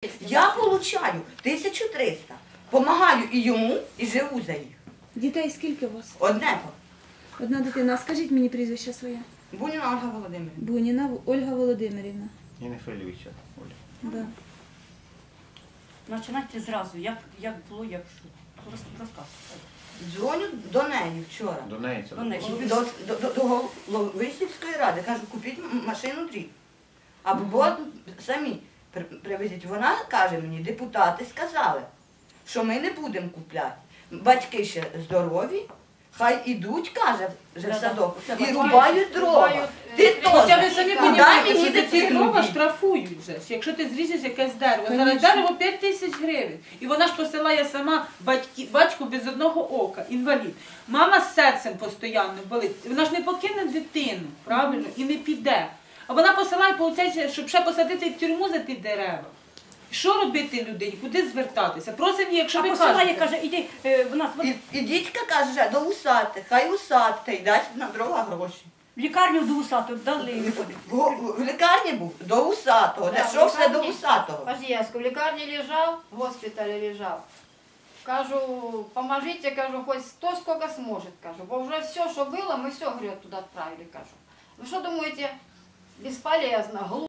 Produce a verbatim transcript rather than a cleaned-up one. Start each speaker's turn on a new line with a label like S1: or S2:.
S1: Я получаю тисячу триста. Помагаю і йому, і живу за їх.
S2: Дітей скільки у вас?
S1: Одне.
S2: Одна дитина. Скажіть мені прізвище своє.
S1: Буніна Ольга Володимирівна.
S2: Буніна Ольга Володимирівна.
S3: І не хвилюйся, Оля.
S2: Да.
S4: Починайте зразу, як, як було, як що. Роз- Розказуйте.
S1: Дзвоню до неї вчора.
S3: До неї це
S4: До неї.
S1: До, до, до, до голови сільської ради. Кажу, купіть м- машину дріб. Або самі при- привезіть. Вона каже мені, депутати сказали, що ми не будемо купляти. Батьки ще здорові, хай ідуть, каже, вже в садок, і рубають дрова. Ти
S5: Хоча ви
S1: теж.
S5: самі
S1: Куди
S5: розумієте,
S1: мені
S5: що за ці
S1: дитину
S5: дрова
S1: діти?
S5: штрафують вже. Якщо ти зріжеш якесь дерево, зараз
S2: Конечно.
S5: дерево п'ять тисяч гривень. І вона ж посилає сама батьки, батьку без одного ока, інвалід. Мама з серцем постійно болить. Вона ж не покине дитину, правильно, і не піде. А вона посилає, виходить, щоб ще посадити в тюрму за ті дерева. Що робити людині? Куди звертатися? Просимо її, якщо
S4: А
S5: ви
S4: посилає,
S5: кажете.
S4: каже, іди, е, в нас в
S1: І, і дідька каже, до усати, хай усати, і дасть на дрова гроші.
S4: лікарню до усату дали.
S1: В, в, в лікарні був до усатого,
S6: Да,
S1: дійшов
S6: в
S1: все до
S6: лікарні.
S1: усатого.
S6: Подожди, я в лікарні лежав, в госпіталі лежав. Кажу, поможите, кажу, хоть кто сколько сможет, кажу. Бо уже все, что было, мы все, говорю, туда отправили, кажу. Вы что думаете, бесполезно, глупо?